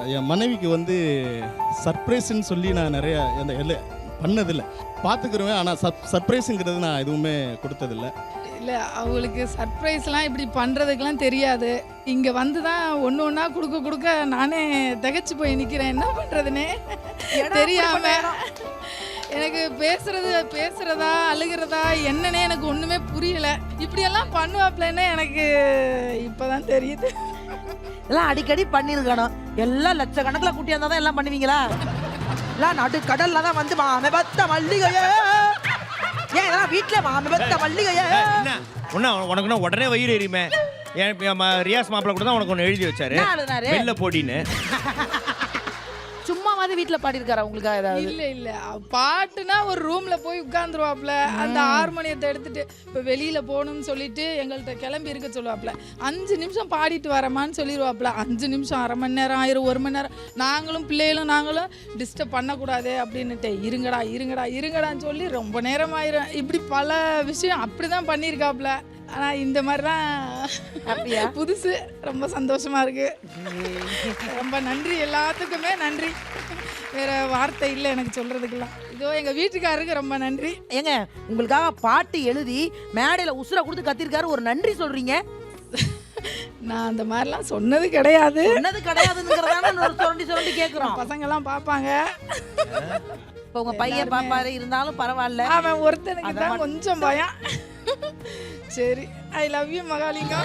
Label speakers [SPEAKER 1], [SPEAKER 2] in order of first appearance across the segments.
[SPEAKER 1] என் மனைவிக்கு வந்து சர்ப்ரைஸ்ன்னு சொல்லி நான் நிறைய பண்ணதில்லை, பார்த்துக்குருவேன். ஆனால் சர்ப்ரைஸுங்கிறது நான் எதுவுமே கொடுத்ததில்லை.
[SPEAKER 2] இல்லை, அவங்களுக்கு சர்ப்ரைஸ்லாம் இப்படி பண்ணுறதுக்கெலாம் தெரியாது. இங்கே வந்து தான் ஒன்று ஒன்றா கொடுக்க நானே திகச்சு போய் நிற்கிறேன். என்ன பண்ணுறதுனே தெரியாமல் எனக்கு பேசுகிறதா அழுகிறதா என்னன்னே எனக்கு ஒன்றுமே புரியலை. இப்படியெல்லாம் பண்ணுவாப்லன்னு எனக்கு இப்போ தான் தெரியுது.
[SPEAKER 3] எல்லாம் அடிக்கடி பண்ணியிருக்கணும். எல்லாம் லட்சக்கணக்கில் கூட்டி வந்தால் தான் எல்லாம் பண்ணுவீங்களா? எல்லாம் நடு கடல்ல தான் வந்து மாமே பத்த மல்லிகையே, ஏன் இதெல்லாம் வீட்டில் மாமே பத்த மல்லிகையே
[SPEAKER 4] உனக்குன்னா உடனே வயிறு எரியுமே. ரியாஸ் மாப்பிள்ள கூட தான் உனக்கு ஒன்று எழுதி வச்சாரு, வெளில போடின்னு.
[SPEAKER 3] சும்மாவது வீட்டில் பாடியிருக்காரா உங்களுக்காக ஏதாவது?
[SPEAKER 2] இல்லை பாட்டுனா ஒரு ரூமில் போய் உட்காந்துருவாப்புல, அந்த ஹார்மோனியத்தை எடுத்துட்டு இப்போ வெளியில் போகணும்னு சொல்லிட்டு எங்கள்கிட்ட கிளம்பி இருக்க சொல்லுவாப்புல. 5 நிமிஷம் பாடிட்டு வரமான்னு சொல்லிடுவாப்புல. 5 நிமிஷம், அரை மணி நேரம் ஆயிரும், 1 மணி நேரம். நாங்களும் டிஸ்டர்ப் பண்ணக்கூடாது அப்படின்னுட்டு இருங்கடான்னு சொல்லி ரொம்ப நேரம் ஆயிரும். இப்படி பல விஷயம் அப்படி தான் பண்ணியிருக்காப்புல. ஆனால் இந்த மாதிரிலாம்
[SPEAKER 3] அப்படியா?
[SPEAKER 2] புதுசு, ரொம்ப சந்தோஷமாக இருக்குது. ரொம்ப நன்றி, எல்லாத்துக்குமே நன்றி. வேறு வார்த்தை இல்லை எனக்கு சொல்கிறதுக்கெல்லாம். இதோ எங்கள் வீட்டுக்காரருக்கு ரொம்ப நன்றி.
[SPEAKER 3] ஏங்க, உங்களுக்காக பாட்டு எழுதி மேடையில் உசுரை கொடுத்து கத்திருக்காரு, ஒரு நன்றி சொல்கிறீங்க.
[SPEAKER 2] நான் அந்த மாதிரிலாம் சொன்னது கிடையாதுங்கிறதான
[SPEAKER 3] சுரண்டி கேட்குறோம்.
[SPEAKER 2] பசங்கள்லாம் பார்ப்பாங்க.
[SPEAKER 3] இப்போ உங்கள் பையன் பாப்பாரு, இருந்தாலும் பரவாயில்ல.
[SPEAKER 2] அவன் ஒருத்தனுக்கு தான் கொஞ்சம் பயம். சரி, ஐ லவ் யூ மகாலிங்கா.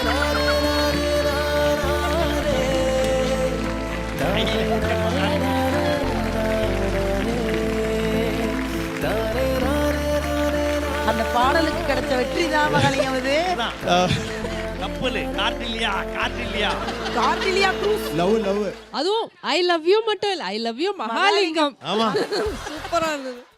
[SPEAKER 2] அந்த பாடலுக்கு கிடைச்ச வெற்றி தான் மகாலிங்கம். இது
[SPEAKER 4] கப்பல் காற்றில்லையா
[SPEAKER 5] லவ் அதுவும் ஐ லவ் யூ மட்டும் இல்ல, ஐ லவ் யூ மகாலிங்கம். ஆமா, சூப்பரா இருந்தது.